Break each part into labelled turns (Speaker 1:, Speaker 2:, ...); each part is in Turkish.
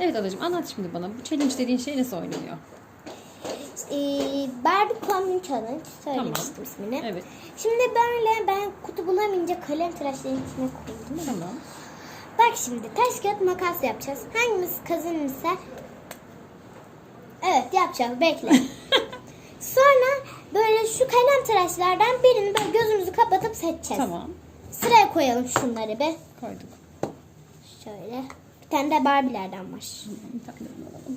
Speaker 1: Evet adacığım, anlat şimdi bana. Bu challenge dediğin şey nasıl oynanıyor?
Speaker 2: Barbie Combine Challenge söylemiştim ismini.
Speaker 1: Evet.
Speaker 2: Şimdi böyle ben kutu bulamayınca kalem tıraşların içine koydum.
Speaker 1: Tamam.
Speaker 2: Bak şimdi taş kağıt makas yapacağız. Hangimiz kazanırsa evet yapacağız, bekle. Sonra böyle şu kalem tıraşlardan birini böyle gözümüzü kapatıp seçeceğiz.
Speaker 1: Tamam.
Speaker 2: Sıraya koyalım şunları be.
Speaker 1: Koyduk.
Speaker 2: Şöyle. Bir tane de Barbie'lerden var.
Speaker 1: Bir tane de alalım.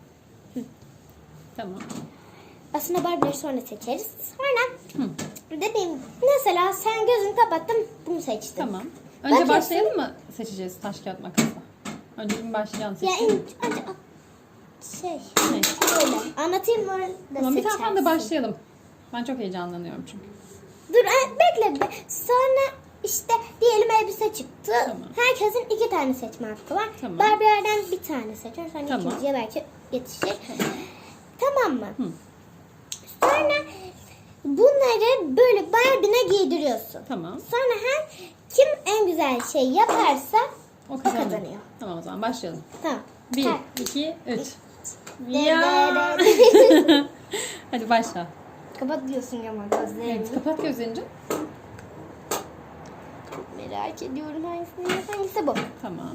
Speaker 1: Tamam.
Speaker 2: Aslında Barbie'leri sonra seçeriz. Sonra dediğim mesela sen gözünü kapattın, bunu seçtin.
Speaker 1: Tamam. Önce
Speaker 2: Bakıyorsun.
Speaker 1: başlayalım mı seçeceğiz taş kağıt makasla? Önce bir başlayan
Speaker 2: Ya
Speaker 1: seçelim.
Speaker 2: önce şey
Speaker 1: Ne?
Speaker 2: böyle anlatayım mı?
Speaker 1: Tamam, bir taraftan da başlayalım. Ben çok heyecanlanıyorum çünkü.
Speaker 2: Dur bekle be. Sonra işte diyelim elbise çıktı.
Speaker 1: Tamam.
Speaker 2: Herkesin 2 tane seçme hakkı var.
Speaker 1: Tamam.
Speaker 2: Barbie'lerden bir tane seçiyor. Sonra
Speaker 1: Tamam.
Speaker 2: ikinciye belki yetişir. Tamam mı? Sonra bunları böyle Barbie'ne giydiriyorsun.
Speaker 1: Tamam.
Speaker 2: Sonra kim en güzel şey yaparsa
Speaker 1: O
Speaker 2: kazanıyor.
Speaker 1: Tamam, o zaman başlayalım.
Speaker 2: Tamam.
Speaker 1: 1,
Speaker 2: Ha.
Speaker 1: 2, 3.
Speaker 2: De-
Speaker 1: Ya.
Speaker 2: de- de-
Speaker 1: Hadi başla.
Speaker 2: Kapat diyorsun ama gözlerini.
Speaker 1: Evet, kapat gözlerini.
Speaker 2: Merak ediyorum hangisi bu.
Speaker 1: Tamam.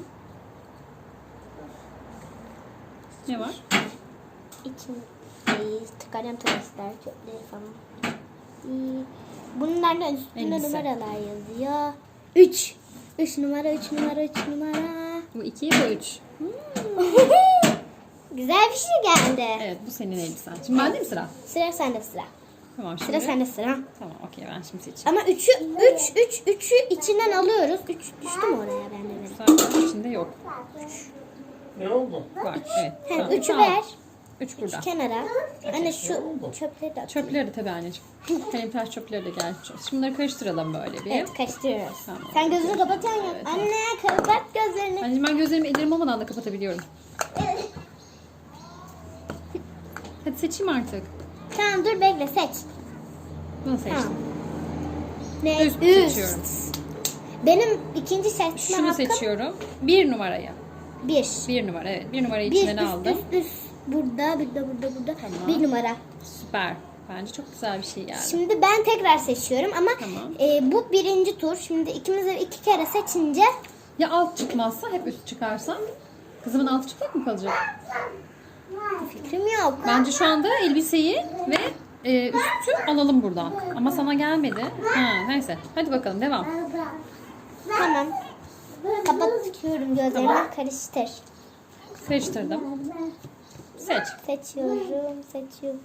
Speaker 1: Ne var?
Speaker 2: İçin kalem tıraşlar, çöpleri falan. Bunlardan üstünde
Speaker 1: Elbise.
Speaker 2: numaralar yazıyor. 3. 3 numara, 3 numara, 3 numara.
Speaker 1: Bu 2, bu 3.
Speaker 2: Güzel bir şey geldi.
Speaker 1: Evet, bu senin elbisen. Şimdi bende mi sıra?
Speaker 2: Sıra sende sıra.
Speaker 1: Tamam, şimdi.
Speaker 2: Sıra sende sıra.
Speaker 1: Tamam, okey, ben şimdi seçeyim.
Speaker 2: Ama 3'ü içinden alıyoruz. 3 düştü mü oraya bende benim?
Speaker 1: Zaten içinde yok.
Speaker 3: Ne oldu?
Speaker 1: Var, evet.
Speaker 2: Hem
Speaker 1: Tamam,
Speaker 2: 3'ü
Speaker 1: tamam.
Speaker 2: ver.
Speaker 1: 3 burada.
Speaker 2: Kenara. Anne şu çöpleri de at.
Speaker 1: Çöpleri de tabii anneciğim. Kalem tıraş çöpleri de geldi. Şimdi bunları karıştıralım böyle bir.
Speaker 2: Evet karıştırıyoruz.
Speaker 1: Tamam.
Speaker 2: Sen gözünü kapatıyorsun ya.
Speaker 1: Evet,
Speaker 2: Anne kapat gözlerini.
Speaker 1: Anneciğim, ben gözlerimi ellerim olmadan da kapatabiliyorum. Hadi seçeyim artık.
Speaker 2: Tamam dur bekle seç.
Speaker 1: Bunu seçtim.
Speaker 2: Tamam. Ne?
Speaker 1: Üst seçiyorum.
Speaker 2: Benim ikinci seçme
Speaker 1: Şunu
Speaker 2: hakkım
Speaker 1: seçiyorum. 1 numarayı.
Speaker 2: 1.
Speaker 1: 1 numara, evet. 1 numarayı
Speaker 2: Bir
Speaker 1: içinden aldım.
Speaker 2: üst. Burada.
Speaker 1: Tamam.
Speaker 2: 1 numara.
Speaker 1: Süper. Bence çok güzel bir şey geldi.
Speaker 2: Şimdi ben tekrar seçiyorum ama
Speaker 1: Tamam.
Speaker 2: bu birinci tur. Şimdi ikimiz de 2 kere seçince
Speaker 1: Ya alt çıkmazsa, hep üst çıkarsa? Kızımın altı çıplak mı kalacak?
Speaker 2: fikrim yok.
Speaker 1: Bence şu anda elbiseyi ve üstü alalım buradan. Ama sana gelmedi. Neyse. Hadi bakalım, devam.
Speaker 2: Tamam. Kapatıyorum gözlerimi.
Speaker 1: Tamam.
Speaker 2: Karıştır.
Speaker 1: Karıştırdım. Seç.
Speaker 2: Seçiyorum.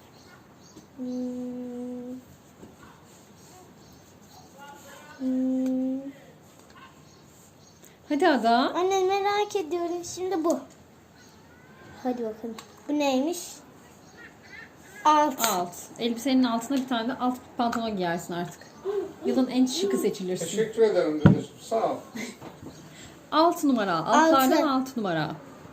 Speaker 1: Hadi Ada.
Speaker 2: Anne merak ediyorum. Şimdi bu. Hadi bakalım. Bu neymiş? Alt.
Speaker 1: Alt. Elbisenin altına bir tane de alt pantolon giyersin artık. Yılın en şıkı seçilirsin.
Speaker 3: Teşekkür ederim dedi. Sağ ol.
Speaker 1: 6 numara. Altlardan 6 numara.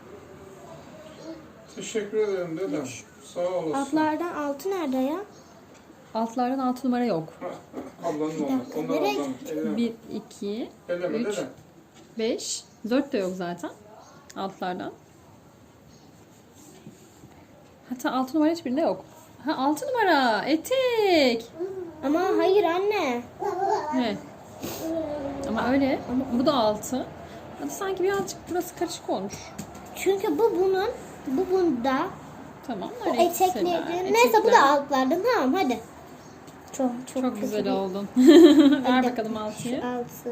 Speaker 3: Teşekkür ederim dedem. Sağ olasın.
Speaker 2: Altlardan altı nerede ya?
Speaker 1: Altlardan 6 numara yok.
Speaker 3: Ablanın onu. Onlar
Speaker 2: Nereye
Speaker 3: ablanın. Elleme.
Speaker 1: 1, 2,
Speaker 3: Elleme
Speaker 1: 3,
Speaker 3: dedem.
Speaker 1: 5. 4 de yok zaten. Altlardan. Hatta 6 numara hiçbirinde yok. 6 numara. Etek.
Speaker 2: Ama hayır anne.
Speaker 1: Evet. Ama öyle. Bu da 6. Hadi sanki birazcık burası karışık olmuş.
Speaker 2: Çünkü bu bunda.
Speaker 1: Tamam.
Speaker 2: Bu
Speaker 1: öyle
Speaker 2: etekleri.
Speaker 1: ikisiler.
Speaker 2: Neyse bu da
Speaker 1: Etekler.
Speaker 2: altlardan. Tamam hadi.
Speaker 1: Çok güzel oldun. Ver bakalım 6'yı.
Speaker 2: Altı.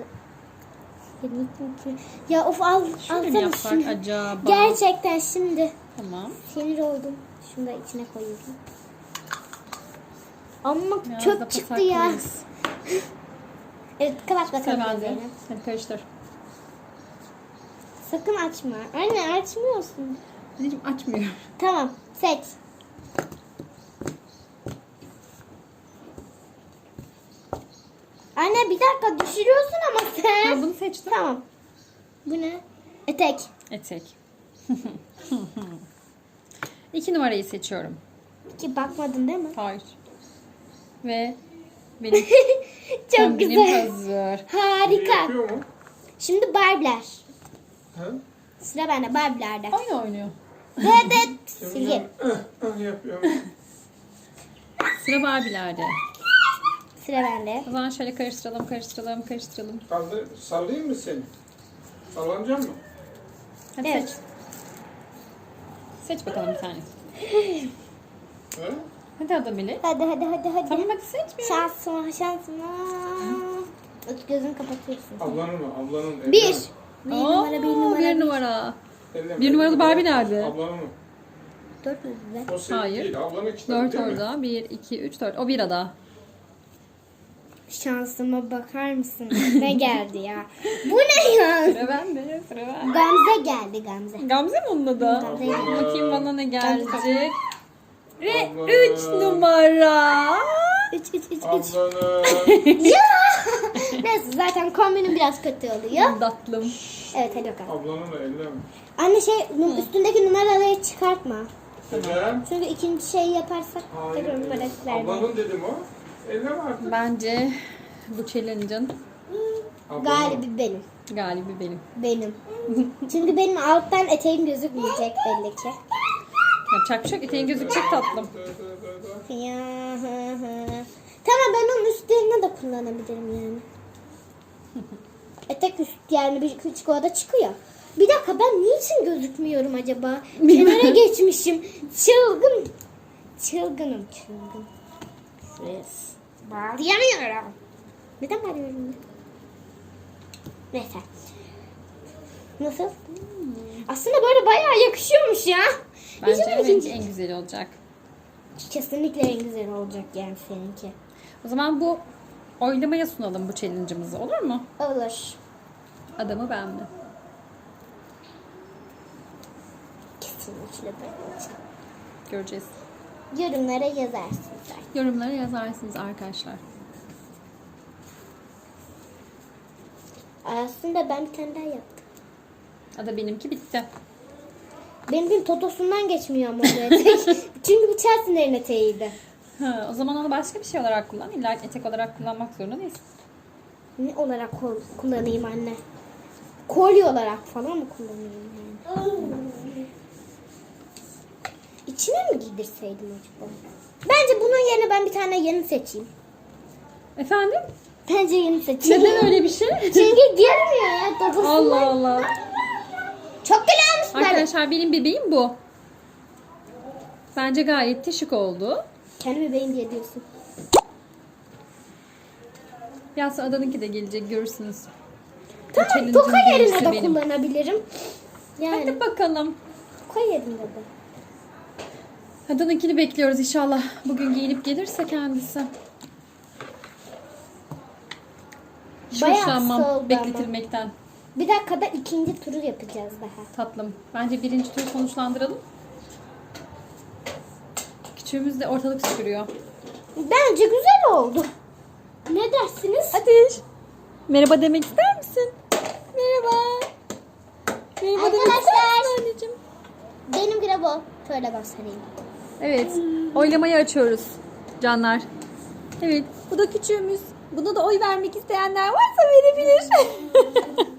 Speaker 2: Ya of
Speaker 1: Şöyle mi
Speaker 2: alsana
Speaker 1: yapsak
Speaker 2: şimdi.
Speaker 1: acaba?
Speaker 2: Gerçekten şimdi
Speaker 1: Tamam.
Speaker 2: sinir oldum. Şunu da içine koyuyorum. Ama
Speaker 1: Biraz da
Speaker 2: çöp çıktı ya.
Speaker 1: pasaklıyız.
Speaker 2: Evet kapat
Speaker 1: Sıra
Speaker 2: bakalım
Speaker 1: bende.
Speaker 2: gözlerini.
Speaker 1: Hadi karıştır.
Speaker 2: Sakın açma. Anne açmıyorsun.
Speaker 1: Anneciğim açmıyor.
Speaker 2: Tamam seç. Anne bir dakika düşürüyorsun ama sen.
Speaker 1: Ben bunu seçtim.
Speaker 2: Tamam. Bu ne? Etek.
Speaker 1: Etek. 2 numarayı seçiyorum.
Speaker 2: Ki bakmadın değil mi?
Speaker 1: Hayır. Ve benim
Speaker 2: Çok
Speaker 1: kombinim
Speaker 2: güzel.
Speaker 1: hazır.
Speaker 2: Harika.
Speaker 3: Yapıyor mu?
Speaker 2: Şimdi Barbie'ler.
Speaker 3: He?
Speaker 2: Sıra bende Barbie'lerde.
Speaker 1: Oyun oynuyor.
Speaker 2: Dıt silgi.
Speaker 3: Yapıyorum.
Speaker 1: Sıra Barbie'lerde.
Speaker 2: Sıra bende.
Speaker 1: O zaman şöyle karıştıralım.
Speaker 3: Kaldır, sallayayım mı seni? Sallanacak mı?
Speaker 1: Hadi
Speaker 2: Evet.
Speaker 1: seç. Seç bakalım bir tane.
Speaker 3: He?
Speaker 1: Hadi Ada Melek.
Speaker 2: Hadi.
Speaker 1: Tamam hadi seç bir.
Speaker 2: Şansıma. Gözünü kapatıyorsun.
Speaker 3: Ablanın mı? Ablanın. elleme.
Speaker 2: Bir. Bir
Speaker 1: Oo,
Speaker 2: numara, bir numara.
Speaker 1: bir numara.
Speaker 3: Elleme.
Speaker 1: Bir numaralı Barbie nerede?
Speaker 3: Ablanın mı?
Speaker 2: 4 müydü be?
Speaker 3: O senin
Speaker 1: Hayır.
Speaker 3: değil. Ablanın kitabı
Speaker 1: 4
Speaker 3: değil mi?
Speaker 1: orada. 1, 2, 3, 4. O bir Ada.
Speaker 2: Şansıma bakar mısın? Ne geldi ya? Bu ne ya?
Speaker 1: Sıra bende.
Speaker 2: Gamze geldi Gamze.
Speaker 1: Gamze mi onun adı?
Speaker 2: Gamze.
Speaker 1: Bakayım bana ne gelecek. Ve
Speaker 3: Abla.
Speaker 1: 3 numara.
Speaker 2: 3.
Speaker 3: Ablanın.
Speaker 2: Ya! Neyse zaten kombinim biraz kötü oluyor.
Speaker 1: Tatlım.
Speaker 2: Evet hadi bakalım.
Speaker 3: Ablanın da elleme.
Speaker 2: Anne üstündeki numaraları çıkartma.
Speaker 3: Neden?
Speaker 2: Çünkü ikinci şeyi yaparsak tekrar numara vermeyiz.
Speaker 3: Ablanın dedim o. Elleme artık.
Speaker 1: Bence bu challenge'ın
Speaker 3: Ablanın.
Speaker 2: Galibi benim.
Speaker 1: galibi benim.
Speaker 2: Benim. Çünkü benim alttan eteğim gözükmeyecek belli ki.
Speaker 1: Yapacak bir şey yok. Eteğin gözükecek tatlım.
Speaker 2: Ya, Tamam ben onun üstlerine de kullanabilirim yani. Etek üst yani bir küçük orada çıkıyor. Bir dakika ben niçin gözükmüyorum acaba? Kenara geçmişim. Çılgın. Çılgın. Bağlayamıyorum. Neden bağlıyorum ya? Neyse. Nasıl? Aslında böyle bayağı yakışıyormuş ya.
Speaker 1: Bence
Speaker 2: Bizim
Speaker 1: evet,
Speaker 2: ikinci-
Speaker 1: en güzeli olacak.
Speaker 2: Kesinlikle en güzel olacak yani seninki.
Speaker 1: O zaman bu oylamaya sunalım bu challenge'ımızı. Olur mu?
Speaker 2: Olur.
Speaker 1: Adamı ben mi?
Speaker 2: Kesinlikle ben olacağım.
Speaker 1: Göreceğiz.
Speaker 2: Yorumlara yazarsın sen.
Speaker 1: Yorumlara yazarsınız arkadaşlar.
Speaker 2: Aslında ben bir tane daha yaptım.
Speaker 1: Ada benimki bitti.
Speaker 2: Benim totosundan geçmiyor ama bu etek. Çünkü bu Chelsea'lerin eteğiydi.
Speaker 1: Ha, o zaman onu başka bir şey olarak kullan. İlla etek olarak kullanmak zorunda değilsin.
Speaker 2: Ne olarak kullanayım anne? Kolye olarak falan mı kullanayım yani? İçine mi giydirseydim acaba? Bence bunun yerine ben bir tane yeni seçeyim.
Speaker 1: Efendim?
Speaker 2: Bence yeni seçeyim.
Speaker 1: Neden öyle bir şey?
Speaker 2: Çünkü girmiyor ya totosundan.
Speaker 1: Allah Allah.
Speaker 2: Çok güzel olmuş böyle.
Speaker 1: Arkadaşlar benim bebeğim bu. Bence gayet de şık oldu.
Speaker 2: Kendi bebeğim diye diyorsun.
Speaker 1: Biraz sonra Adan'ınki de gelecek görürsünüz. Bu
Speaker 2: Tamam
Speaker 1: challenge'ın
Speaker 2: toka yerine
Speaker 1: birincisi
Speaker 2: de
Speaker 1: benim.
Speaker 2: kullanabilirim. Yani
Speaker 1: Hadi bakalım.
Speaker 2: toka yerine de.
Speaker 1: Adan'ınkini bekliyoruz inşallah. Bugün giyinip gelirse kendisi. Hiç
Speaker 2: Bayağı
Speaker 1: hoşlanmam
Speaker 2: soldu ama.
Speaker 1: bekletilmekten.
Speaker 2: Bir dakikada ikinci turu yapacağız daha.
Speaker 1: Tatlım. Bence birinci turu sonuçlandıralım. Küçüğümüz de ortalık süpürüyor.
Speaker 2: Bence güzel oldu. Ne dersiniz?
Speaker 1: Ateş. Merhaba demek ister misin? Merhaba. Merhaba demek ister
Speaker 2: Arkadaşlar.
Speaker 1: misin anneciğim?
Speaker 2: Benim grabo. Şöyle göstereyim.
Speaker 1: Evet. Oylamayı açıyoruz canlar. Evet. Bu da küçüğümüz. Buna da oy vermek isteyenler varsa verebilir.